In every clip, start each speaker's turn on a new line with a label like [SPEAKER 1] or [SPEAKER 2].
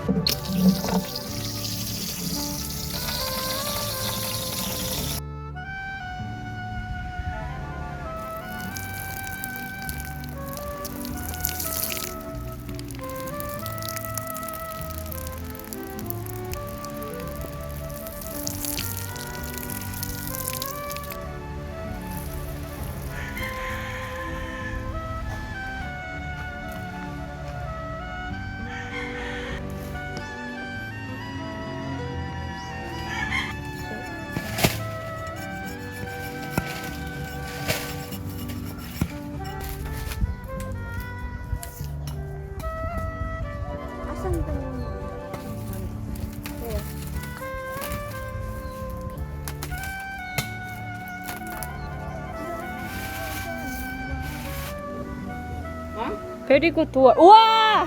[SPEAKER 1] 베리 굿 도어. 우와!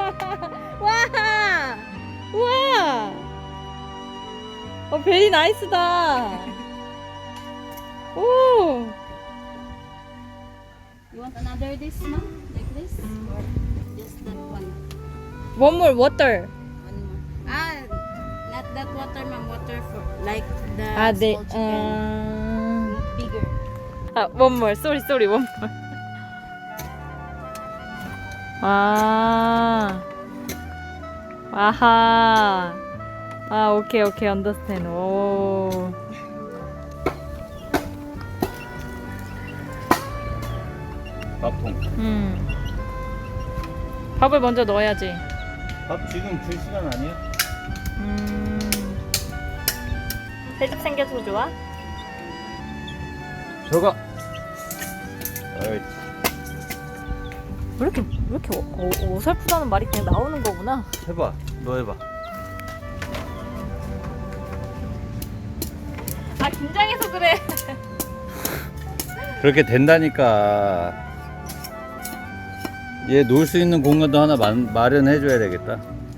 [SPEAKER 1] 와! 우와! 베리 나이스다. 오!
[SPEAKER 2] You want another this, ma'am? Like this? Or just that one?
[SPEAKER 1] One more water.
[SPEAKER 2] One more. Not that water, ma'am. Water for like the
[SPEAKER 1] 네.
[SPEAKER 2] small chicken. Bigger.
[SPEAKER 1] one more. Sorry, one more. 아하. 오케이, understand. 오.
[SPEAKER 3] 밥통.
[SPEAKER 1] 밥을 먼저 넣어야지.
[SPEAKER 3] 밥 지금 줄 시간 아니야?
[SPEAKER 1] 새집 생겨서 좋아?
[SPEAKER 3] 저가. 옳지.
[SPEAKER 1] 왜 이렇게 어설프다는 말이 그냥 나오는 거구나.
[SPEAKER 3] 해봐. 너 해봐.
[SPEAKER 1] 긴장해서 그래.
[SPEAKER 3] 그렇게 된다니까. 얘 놀 수 있는 공간도 하나 마련해줘야 되겠다.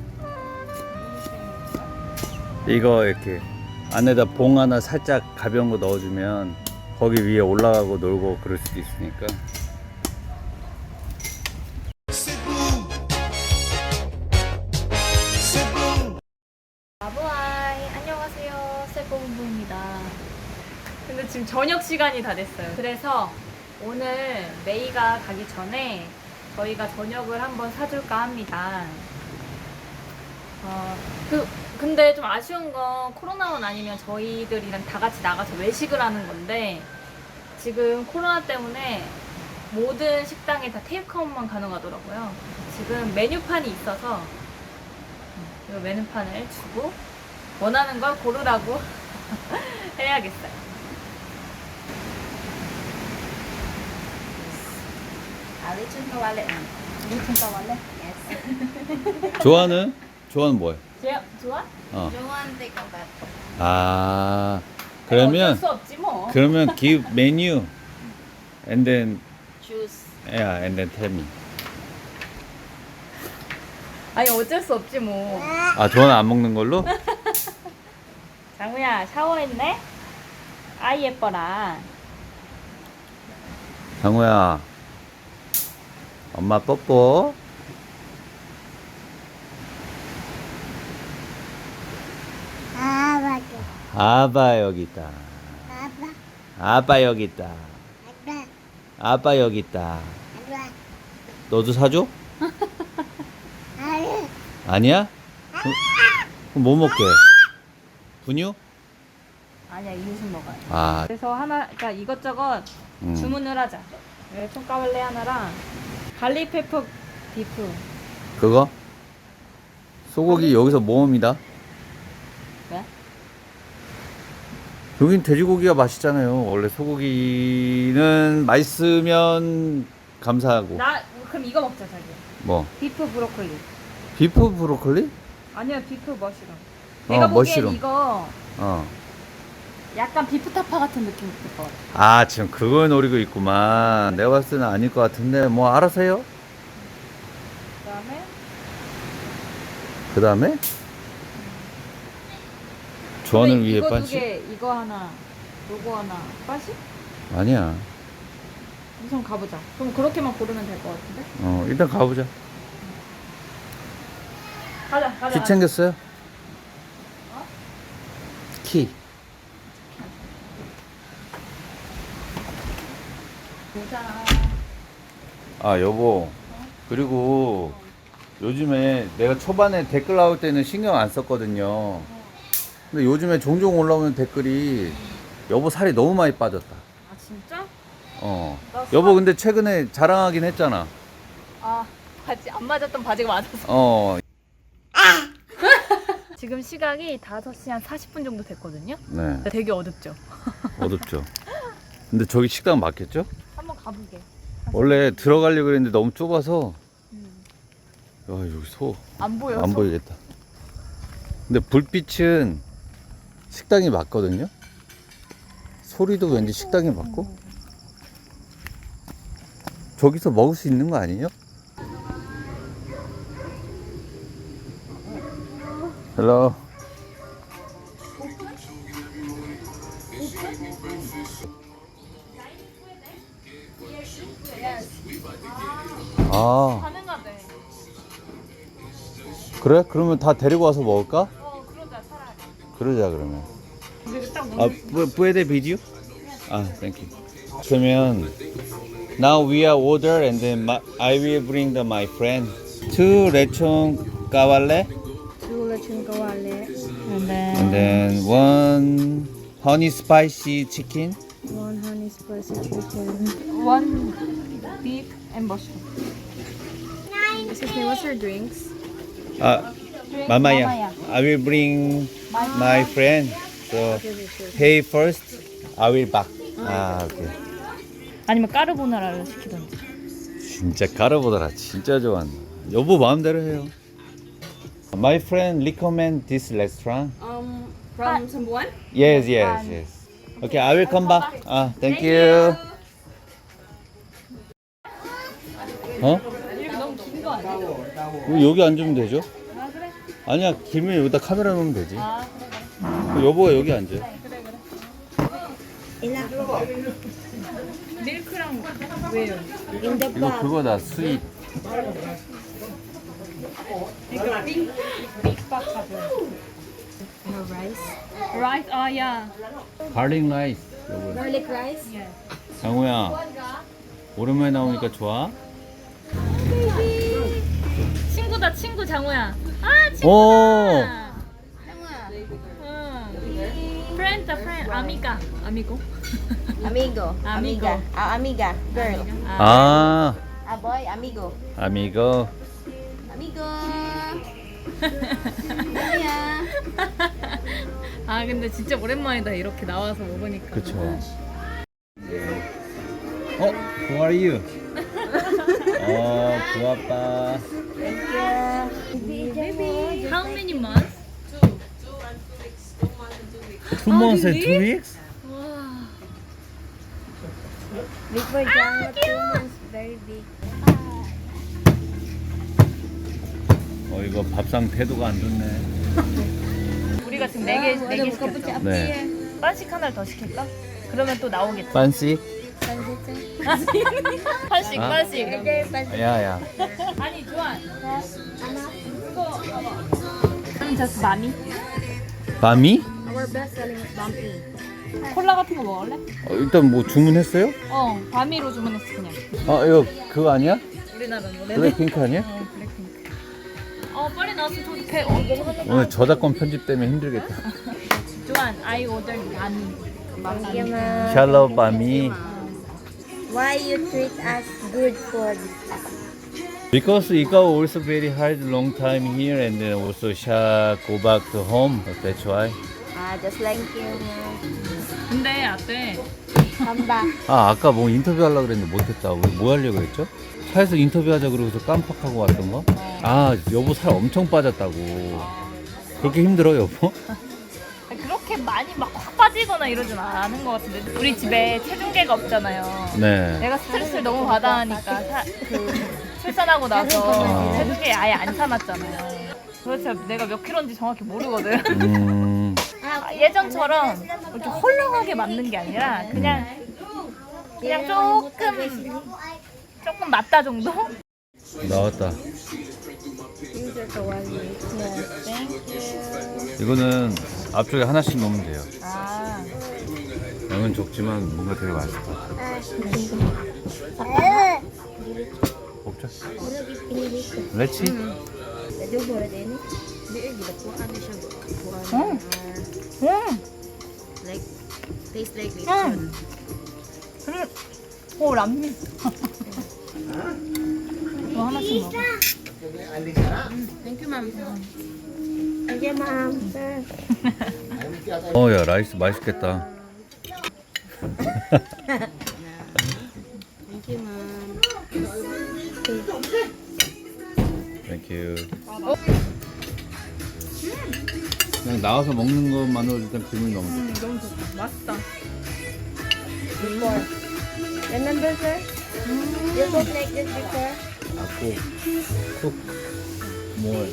[SPEAKER 3] 이거 이렇게 안에다 봉 하나 살짝 가벼운 거 넣어주면 거기 위에 올라가고 놀고 그럴 수도 있으니까.
[SPEAKER 1] 아부아이 안녕하세요, 세포본부입니다. 근데 지금 저녁 시간이 다 됐어요. 그래서 오늘 메이가 가기 전에 저희가 저녁을 한번 사줄까 합니다. 근데 좀 아쉬운 건 코로나만 아니면 저희들이랑 다 같이 나가서 외식을 하는 건데 지금 코로나 때문에 모든 식당에 다 테이크아웃만 가능하더라고요. 지금 메뉴판이 있어서 이 메뉴판을 주고 원하는 걸 고르라고 해야겠어요.
[SPEAKER 2] Lechon kawali, ma'am.
[SPEAKER 1] 무슨 까말래?
[SPEAKER 2] Yes.
[SPEAKER 3] 좋아하는 뭐야?
[SPEAKER 1] 좋아?
[SPEAKER 2] Joan, take a bath.
[SPEAKER 3] 아,
[SPEAKER 1] 어쩔
[SPEAKER 3] 그러면
[SPEAKER 1] 수 없지 뭐.
[SPEAKER 3] give menu and then
[SPEAKER 2] Choose.
[SPEAKER 3] tell me.
[SPEAKER 1] 아니 어쩔 수 없지 뭐.
[SPEAKER 3] 조아는 안 먹는 걸로?
[SPEAKER 1] 장우야 샤워했네? 아이 예뻐라.
[SPEAKER 3] 장우야, 엄마 뽀뽀. 아빠 여기 있다. 아빠 여기 있다. 아빠 여기 있다. 너도 사줘? 아니야? 그럼 뭐 먹게? 분유?
[SPEAKER 1] 아니야 이웃은 먹어요. 그래서 그러니까 이것저것 주문을 하자. 총까발레 하나랑 갈릭페퍼 비프.
[SPEAKER 3] 그거? 소고기 여기서 모음이다.
[SPEAKER 1] 왜?
[SPEAKER 3] 여긴 돼지고기가 맛있잖아요. 원래 소고기는 맛있으면 감사하고.
[SPEAKER 1] 그럼 이거 먹자 자기.
[SPEAKER 3] 뭐?
[SPEAKER 1] 비프 브로콜리.
[SPEAKER 3] 비프 브로콜리?
[SPEAKER 1] 아니야 비프 머시룸. 내가 보기엔
[SPEAKER 3] 머시룸.
[SPEAKER 1] 이거
[SPEAKER 3] 어.
[SPEAKER 1] 약간 비프 타파 같은 느낌 있을 것 같아.
[SPEAKER 3] 지금 그걸 노리고 있구만. 내가 봤을 때는 아닐 것 같은데 뭐 알아서 해요. 그 다음에? 조언을 위해
[SPEAKER 1] 이거 두
[SPEAKER 3] 빠지?
[SPEAKER 1] 개, 이거 하나, 요거 하나, 빠시?
[SPEAKER 3] 아니야.
[SPEAKER 1] 우선 가보자. 그럼 그렇게만 고르면 될 것 같은데?
[SPEAKER 3] 일단 가보자.
[SPEAKER 1] 가자.
[SPEAKER 3] 키 챙겼어요? 키. 아 여보, 그리고 요즘에 내가 초반에 댓글 나올 때는 신경 안 썼거든요. 근데 요즘에 종종 올라오는 댓글이 여보 살이 너무 많이 빠졌다.
[SPEAKER 1] 아 진짜?
[SPEAKER 3] 여보 근데 최근에 자랑하긴 했잖아.
[SPEAKER 1] 아 바지 안 맞았던 바지가 맞았어.
[SPEAKER 3] 어.
[SPEAKER 1] 지금 시각이 5시 한 40분 정도 됐거든요.
[SPEAKER 3] 네.
[SPEAKER 1] 되게 어둡죠?
[SPEAKER 3] 어둡죠. 근데 저기 식당 맞겠죠?
[SPEAKER 1] 한번 가보게.
[SPEAKER 3] 원래 들어가려고 그랬는데 너무 좁아서. 야 여기 소.
[SPEAKER 1] 안 보여.
[SPEAKER 3] 안 보이겠다. 근데 불빛은 식당이 맞거든요. 소리도 왠지 식당이 맞고. 저기서 먹을 수 있는 거 아니에요? 헬로. 아
[SPEAKER 1] 가능하대.
[SPEAKER 3] 그래? 그러면 다 데리고 와서 먹을까?
[SPEAKER 1] 그러자 차라리.
[SPEAKER 3] 그러자 그러면.
[SPEAKER 1] 근데 딱
[SPEAKER 3] 아, puede vídeo? 아, thank you. 그러면 now we are order and then I will bring my friend. 2 lechon kawale
[SPEAKER 2] Two lechon kawale,
[SPEAKER 3] and then 1 honey spicy chicken.
[SPEAKER 2] one honey spicy chicken.
[SPEAKER 1] one beef and mushroom.
[SPEAKER 2] Excuse me, what's your drinks?
[SPEAKER 3] 아, mamaya. I will bring my friend. So pay first. I will back. 아, 오케이.
[SPEAKER 1] 아니면 까르보나라를 시키던지.
[SPEAKER 3] 진짜 까르보나라 진짜 좋아한다. 여보 마음대로 해요. My friend recommend this restaurant.
[SPEAKER 2] From someone?
[SPEAKER 3] Yes, yes, yes. Okay, I will come back. 아, thank you. 어?
[SPEAKER 1] 이렇게 너무 긴 거 아니야?
[SPEAKER 3] 여기 앉으면 되죠?
[SPEAKER 1] 아 그래?
[SPEAKER 3] 아니야, 길면 여기다 카메라 놓으면 되지.
[SPEAKER 1] 아 그래.
[SPEAKER 3] 여보가 여기 앉아.
[SPEAKER 1] 밀크랑 왜요?
[SPEAKER 2] In the
[SPEAKER 3] 이거 그거다, 스윗.
[SPEAKER 1] 이거 빅박하고.
[SPEAKER 2] rice.
[SPEAKER 1] 라이스 아야.
[SPEAKER 3] 가링 라이스. 여보.
[SPEAKER 2] Garlic rice?
[SPEAKER 3] 장우야, 오랜만에 나오니까 좋아?
[SPEAKER 1] 친구다 친구 장우야. 아
[SPEAKER 3] 오!
[SPEAKER 1] 친구다. 응. 프렌드 프렌드 아미가 아미고.
[SPEAKER 2] Amigo.
[SPEAKER 1] Amigo.
[SPEAKER 2] Amiga. Girl.
[SPEAKER 3] 아,
[SPEAKER 2] boy, amigo.
[SPEAKER 3] 아미고.
[SPEAKER 2] Amigo. Yeah.
[SPEAKER 1] 아 근데 진짜 오랜만이다 이렇게 나와서 먹으니까.
[SPEAKER 3] 그쵸. Who are you? 부아빠.
[SPEAKER 1] How many months?
[SPEAKER 3] 2 months and 2 weeks?
[SPEAKER 1] 와.
[SPEAKER 2] Big for John, 2 months, very big.
[SPEAKER 3] 이거 밥상 태도가 안 좋네.
[SPEAKER 1] 우리가 지금 4개 시켰어.
[SPEAKER 3] 네.
[SPEAKER 1] 반씩 하나를 더 시킬까? 그러면 또 나오겠지.
[SPEAKER 3] 반씩?
[SPEAKER 1] 반씩
[SPEAKER 3] 아.
[SPEAKER 1] 반씩.
[SPEAKER 3] 야야.
[SPEAKER 1] 아니 조안. 그거 아니 저스 마미.
[SPEAKER 3] 밤이?
[SPEAKER 2] Our best selling is bumpy.
[SPEAKER 1] 콜라 같은 거 먹을래?
[SPEAKER 3] 일단 뭐 주문했어요?
[SPEAKER 1] 바미로 주문했어 그냥.
[SPEAKER 3] 이거 그거 아니야?
[SPEAKER 1] 우리나라 노래.
[SPEAKER 3] 블랙핑크 아니야?
[SPEAKER 1] 블랙핑크. 빨리 나와서 배 너무 하는
[SPEAKER 3] 오늘 저작권 편집 때문에 힘들겠다.
[SPEAKER 1] 조안, I order 바미.
[SPEAKER 2] Thank you, ma'am.
[SPEAKER 3] 샬롯 밤이.
[SPEAKER 2] Why you treat us good for this?
[SPEAKER 3] Because Ika also very hard long time here and then also Sha go back to home. That's why.
[SPEAKER 2] Just like you, ma'am.
[SPEAKER 1] 근데 아때
[SPEAKER 2] Come back.
[SPEAKER 3] 아까 뭐 인터뷰 하려고 그랬는데 못했다. 우리 뭐 하려고 했죠? 차에서 인터뷰 하자 그러고서 깜빡하고 왔던 거? 여보 살 엄청 빠졌다고. 그렇게 힘들어 여보?
[SPEAKER 1] 그렇게 많이 막 확 빠지거나 이러진 않은 것 같은데 우리 집에 체중계가 없잖아요.
[SPEAKER 3] 네.
[SPEAKER 1] 내가 스트레스를 너무 받아 하니까 출산하고 나서 체중계 아예 안 참았잖아요. 그렇지 내가 몇 킬로인지 정확히 모르거든. 예전처럼 이렇게 헐렁하게 맞는 게 아니라 그냥 조금 맞다 정도?
[SPEAKER 3] 나왔다.
[SPEAKER 2] These are kawali.
[SPEAKER 1] Yes, thank you.
[SPEAKER 3] 이거는 앞쪽에 하나씩 넣으면 돼요.
[SPEAKER 1] 아,
[SPEAKER 3] 양은 적지만 뭔가 되게 맛있을 것 같아. 먹자. 레치?
[SPEAKER 2] Like, tastes like lechon.
[SPEAKER 1] 오 람미. 이거 하나씩 먹어.
[SPEAKER 2] Thank you, ma'am.
[SPEAKER 3] 야 라이스 맛있겠다.
[SPEAKER 2] Thank you, ma'am.
[SPEAKER 3] 땡큐. 그냥 나와서 먹는 것만으로 일단 기분이 너무 좋다.
[SPEAKER 1] 너무 좋다. 맛있다.
[SPEAKER 2] Remember, sir? You cook like this before?
[SPEAKER 3] 아고 쿡 뭘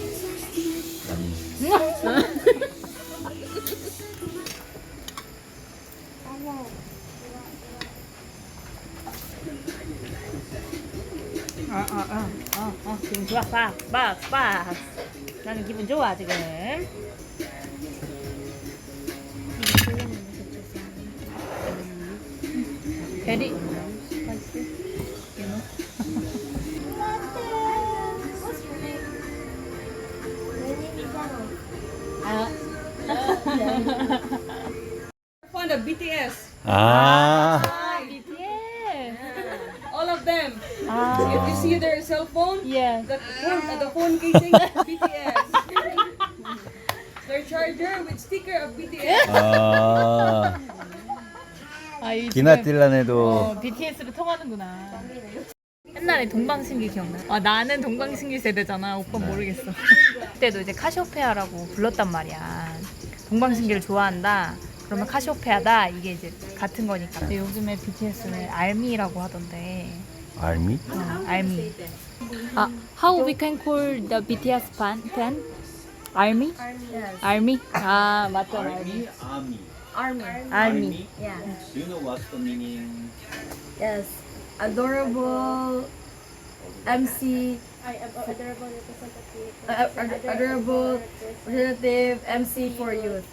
[SPEAKER 1] 기분 좋아. 빡. 나는 기분 좋아 지금. 베리.
[SPEAKER 4] Fond of BTS.
[SPEAKER 3] 아
[SPEAKER 1] BTS.
[SPEAKER 4] All of them.
[SPEAKER 1] 아.
[SPEAKER 4] If you see their cell phone,
[SPEAKER 1] Yeah.
[SPEAKER 4] the phone casing, BTS. Their charger with sticker of BTS.
[SPEAKER 3] 아
[SPEAKER 1] 이
[SPEAKER 3] 기나딜란에도
[SPEAKER 1] BTS로 통하는구나. 옛날에 동방신기 기억나? 아 나는 동방신기 세대잖아. 오빠는 모르겠어. 그때도 이제 카시오페아라고 불렀단 말이야. 동방신기를 좋아한다. 그러면 카시오페아다. 이게 이제 같은 거니까. 근데 요즘에 BTS는 알미라고 하던데.
[SPEAKER 3] 알미?
[SPEAKER 1] 알미. 아, how we can call the BTS fan? 알미? 알미? 아 맞잖아. 알미.
[SPEAKER 3] 아미
[SPEAKER 1] 알미.
[SPEAKER 2] Yeah.
[SPEAKER 3] Do you know what's the meaning?
[SPEAKER 2] Yes. Adorable MC. Adorable representative MC for youth.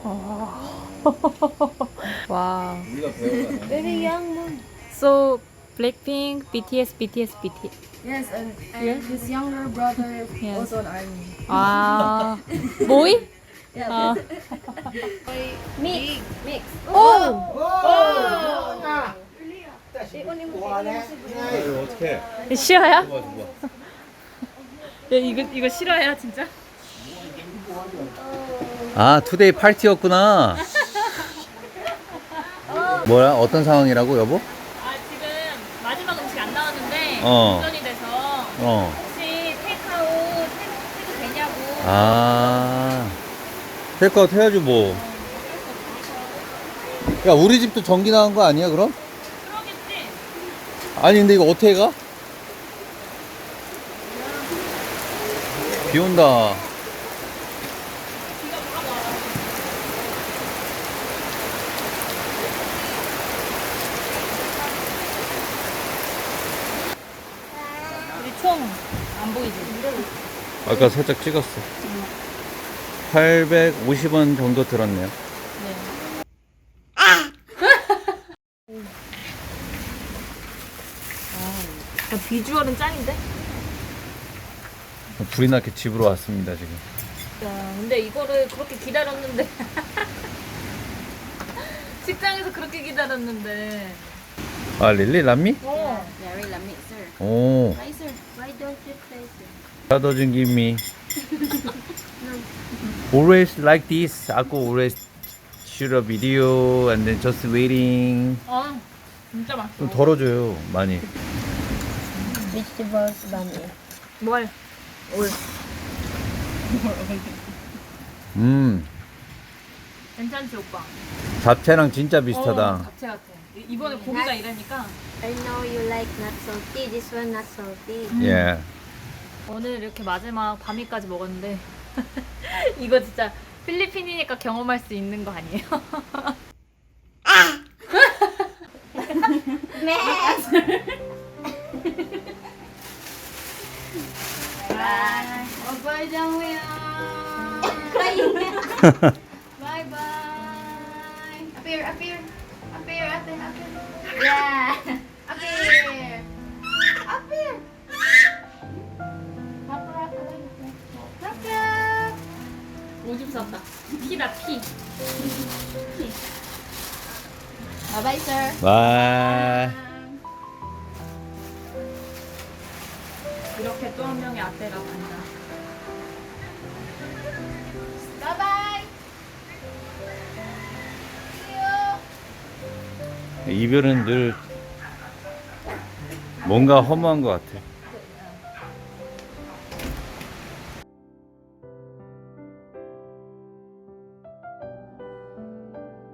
[SPEAKER 1] 와.
[SPEAKER 3] 우리가 배우잖아.
[SPEAKER 2] Very young mom.
[SPEAKER 1] So Blackpink, BTS.
[SPEAKER 2] Yes, and his younger brother
[SPEAKER 1] Yes.
[SPEAKER 2] also an army.
[SPEAKER 1] 아, 모이?
[SPEAKER 2] Yeah.
[SPEAKER 1] 아,
[SPEAKER 2] Mix.
[SPEAKER 1] 오!
[SPEAKER 3] 이거 어떻게?
[SPEAKER 1] 싫어야?
[SPEAKER 3] 좋아.
[SPEAKER 1] 야, 이거 싫어야 진짜?
[SPEAKER 3] 아 투데이 파티였구나. 뭐야? 어떤 상황이라고 여보?
[SPEAKER 1] 아 지금 마지막 음식 안 나왔는데
[SPEAKER 3] 어.
[SPEAKER 1] 운전이 돼서 혹시 테이크아웃 해도 되냐고.
[SPEAKER 3] 아 테이크아웃 해야지 뭐. 야 우리 집도 전기 나간 거 아니야 그럼?
[SPEAKER 1] 그러겠지?
[SPEAKER 3] 아니 근데 이거 어떻게 가? 비 온다.
[SPEAKER 1] 우리 총 안 보이지?
[SPEAKER 3] 아까 살짝 찍었어. 850원 정도 들었네요.
[SPEAKER 1] 네. 비주얼은 짱인데?
[SPEAKER 3] 불이 나게 집으로 왔습니다 지금.
[SPEAKER 1] 야, 근데 이거를 그렇게 기다렸는데 식당에서 그렇게 기다렸는데
[SPEAKER 3] 아 릴리 람미?
[SPEAKER 1] 어.
[SPEAKER 2] Very lamig, sir.
[SPEAKER 3] 오.
[SPEAKER 2] Why, sir? Why don't you try, sir?
[SPEAKER 3] That doesn't give me. Always like this. Aku always shoot a video and then just waiting.
[SPEAKER 1] 아 진짜 맛있어.
[SPEAKER 3] 좀 덜어줘요 많이.
[SPEAKER 2] Vegetables bunny.
[SPEAKER 1] 뭘? 올. 괜찮지 오빠?
[SPEAKER 3] 잡채랑 진짜 비슷하다.
[SPEAKER 1] 잡채 같아. 이번에 고기가 이러니까
[SPEAKER 2] I know you like not salty. This one not salty.
[SPEAKER 3] 예.
[SPEAKER 1] 오늘 이렇게 마지막 밤이까지 먹었는데 이거 진짜 필리핀이니까 경험할 수 있는 거 아니에요?
[SPEAKER 2] Bye. Bye, Jongwon. Bye bye. Up here, up here. Up here, up here, up here. Yeah. Up here. Up here. Up, up, up, up.
[SPEAKER 1] 오줌 쌌다. 피다 피.
[SPEAKER 2] Bye bye, sir.
[SPEAKER 3] 와.
[SPEAKER 1] 이렇게 또 한 명의 아떼가 간다.
[SPEAKER 2] Bye bye. See you.
[SPEAKER 3] 이별은 늘 뭔가 허무한 것 같아.